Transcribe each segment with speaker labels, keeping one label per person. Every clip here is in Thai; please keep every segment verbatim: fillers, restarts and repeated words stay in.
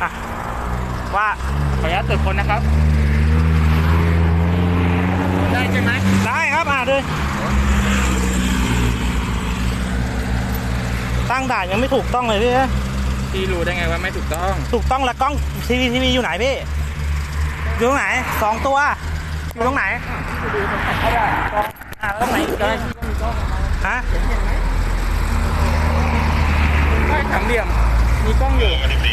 Speaker 1: อ่ะว่า
Speaker 2: ขออนุญาตตรวจคนนะครับได้ใช่ไหม
Speaker 1: ได้ครับอ่ะเลยตั้งด่านยังไม่ถูกต้องเลยพี่
Speaker 2: พี่รู้ได้ไงว่าไม่ถูกต้อง
Speaker 1: ถูกต้องแล้วกล้องทีวีทีวีอยู่ไหนพี่อยู่ตรงไหนสองตัวอยู่ตรงไหน
Speaker 2: ดูตรงไหนก็ได้
Speaker 1: อ่าตรงไหนอีกเลยฮะ
Speaker 2: ใช่สามเหลี่ยมมีกล้องอยู่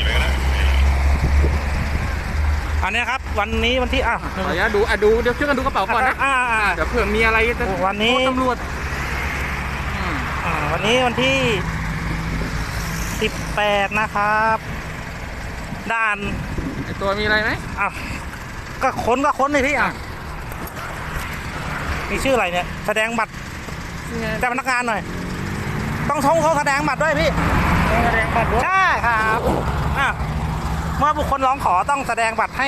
Speaker 1: อันนี้ครับวันนี้วันที่อ่ะ
Speaker 2: ขออนุญาตดูอ่ะดูเดี๋ยวช่วยกันดูกระเป๋าก่อนนะ
Speaker 1: อ่า
Speaker 2: เดี๋ยวเผื่อมีอะไรจะ
Speaker 1: วันนี้
Speaker 2: ตำรวจ
Speaker 1: อ่าวันนี้วันที่สิบแปดนะครับด่าน
Speaker 2: ไอตัวมีอะไรไหม
Speaker 1: อ่ะก็ค้นก็ค้นเลยพี่อ่ะมีชื่ออะไรเนี่ยแสดงบัตรเจ้าพนักงานหน่อยต้องท้องเขาแสดงบัตรด้วยพี่
Speaker 2: แสดงบัตรด้วย
Speaker 1: ใช่ครับอ่ะเมื่อบุคคลร้องขอต้องแสดงบัตรให้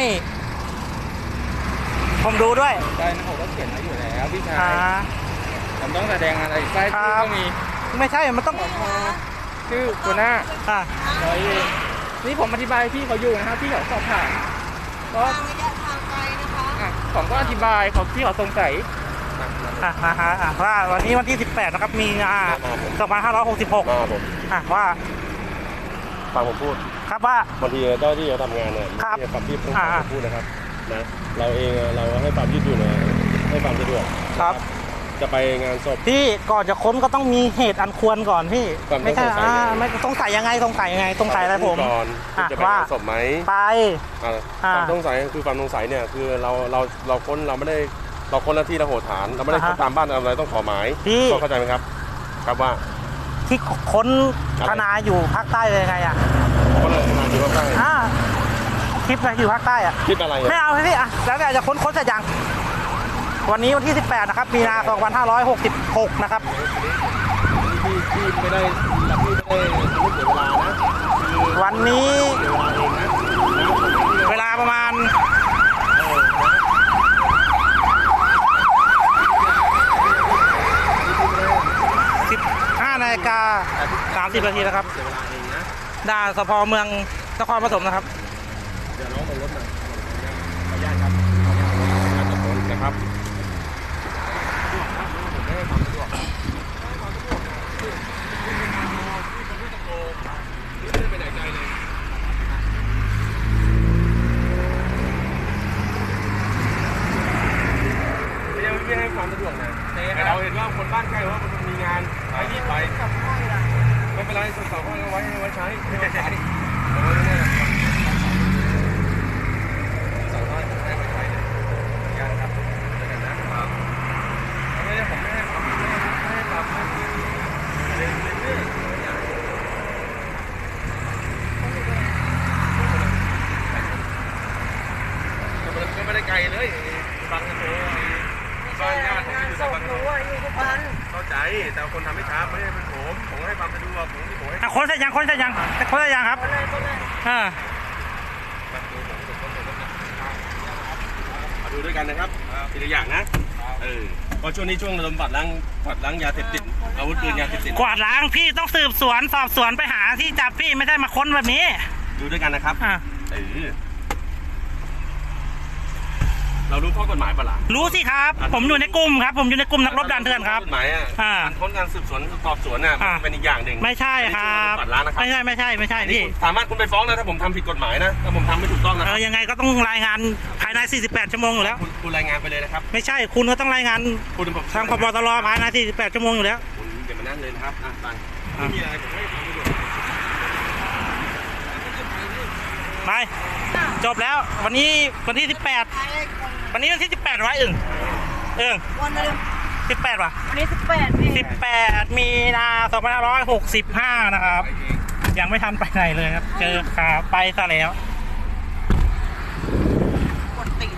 Speaker 1: ผมดูด้วย
Speaker 2: ใช่นะผมก็เขียนไว้อยู่แล้วพี่ชายผมต้องแสดงอะไรใช่ที่ก็มี
Speaker 1: ไม่ใช่มันต้อง
Speaker 2: ชื่อตัวหน้า
Speaker 1: อ่ะ
Speaker 2: นี่ผมอธิบายพี่เขาอยู่นะครับพี่เขาสอบถามก็
Speaker 3: ระยะทางไกลนะคะ
Speaker 2: ผมก็อธิบายเขาพี่เขาสงสัย
Speaker 1: อ่ะฮะอ่ะว่าวันนี้วันที่สิบแปดนะครับมีอ่าสองพันห้าร้อยหกสิบหกอ่ะว่า
Speaker 4: ฟังผมพูด
Speaker 1: ครับว่า
Speaker 4: บางทีเจ้าที่เขาทำงานเนี่ยมีความที่ต้องการพูดนะครับนะเราเองเราให้ความยืดหยุ่นให้ความสะดวก
Speaker 1: ครับ
Speaker 4: จะไปงานศพ
Speaker 1: พี่ก่อนจะค้นก็ต้องมีเหตุอันควรก่อนพี่ไม่ใช่อ่าไม่ต้องใส่ยังไงต้องใส่ยังไงต้องใส่อะไรผม
Speaker 4: ก่อนจะไปงานศพไหม
Speaker 1: ไป
Speaker 4: ความสงสัยคือความสงสัยเนี่ยคือเราเราเราค้นเราไม่ได้เราค้นหน้าที่เราโหดฐานเราไม่ได้ค้นตามบ้านอะไรต้องขอหมายก็เข้าใจไหมครับครับว่า
Speaker 1: ที่ค้นธนาอยู่ภาคใต้เลยไงอ่ะ
Speaker 4: ค้นธนาอยู่ภาคใต้
Speaker 1: อ่าคลิปอะไรอยู่ภาคใต้อ่ะ
Speaker 4: คลิปอะไร
Speaker 1: ไม่เอาพี่อ่ะแล้วแต่จะค้นค้นเสร็จยังวันนี้วันที่สิบแปดนะครับมีนาสองพันห้าร้อยหกสิบหกนะครับ
Speaker 4: ที่ที่ไม่ได้ที่ไม่ได้ไม่เสียเวลานะ
Speaker 1: วันนี้เวลาประมาณสิบห้านาฬิกาสามสิบนาทีนะครับด่านสภ.เมืองนครปฐมนะครับ
Speaker 4: เดี๋ยวน้องลงรถหน่อยขออนุญาตครับขออนุญาตการจับรถนะครับไม่ให้ความสะดวกนะแต่เราเห็นว่าคนบ้านใกล้ว่ามันมีงานไปรีบไปไม่เป็นไรส่วนต่อก็ไว้ให้ไว้ใช้ไม่ไว้ใช้สั่งว่าให้ไปใช้เลยงานครับเจอกันนะครับไม่ได้ผมไม่ให้ความไม่ให้ความไม่เรื่อยเรื่อยก็ไม่ได้ไกลเลยบางกะโถบ้านญาติผมอยู่บางกะโถเข้าใจแต่คนทำไม่ช้าไม่ได้เป็นผมผมให้ความสะดวกผมที่ผมให้
Speaker 1: คนเสร็จยังคนเสร็จยังคนเสร็จยังครับอ่า
Speaker 4: มาดูด้วยกันนะครับทีละอย่างนะเออเพราะช่วงนี้ช่วงระดมบัตรล้างบัตรล้างยาเสพติดอาวุธปืนยาเสพติด
Speaker 1: กวาดล้างพี่ต้องสืบสวนสอบสวนไปหาที่จับพี่ไม่ได้มาค้นแบบนี้
Speaker 4: ดูด้วยกันนะครับ
Speaker 1: อ่า
Speaker 4: เออเรารู้ข้อกฎหมายปะล่ะ
Speaker 1: รู้สิครับผมอยู่ในกลุ่มครับผมอยู่ในกลุ่มนักรบด่านเถื่อนครับ
Speaker 4: กฎหมายอ่ะการค้นการสืบสวนสอบสวนน่ะเป็นอีกอย่างหนึ่ง
Speaker 1: ไม่ใช่ครับไม่ใช่ไม่ใช่ไม่ใช่พี่
Speaker 4: สามารถคุณไปฟ้องนะถ้าผมทำผิดกฎหมายนะถ้าผมทำไม่ถูกต้องนะ
Speaker 1: เออยังไงก็ต้องรายงานภายในสี่สิบแปดชั่วโมงอยู่แล้ว
Speaker 4: คุณรายงานไปเลยนะครับ
Speaker 1: ไม่ใช่คุณก็ต้องรายงานทางพบตรภายในสี่สิบแปดชั่วโมงอยู่แล้ว
Speaker 4: คุณอย่ามานั่งเลยนะครับอ่ะไปไม่มีอะไรผมให้ทำประโยชน์
Speaker 1: ไปจบแล้ววันนี้วันที่สิบแปดวันนี้วันที่สิบแปดไว้อึ่งเอิง
Speaker 3: วันนึง
Speaker 1: สิบแปดว่ะ
Speaker 3: วันนี้สิบแปดพี่
Speaker 1: สิบแปดมีนาสองพันห้าร้อยหกสิบห้านะครับยังไม่ทันไปไหนเลยครับเจอขาไปซะแล้ว
Speaker 3: กดติด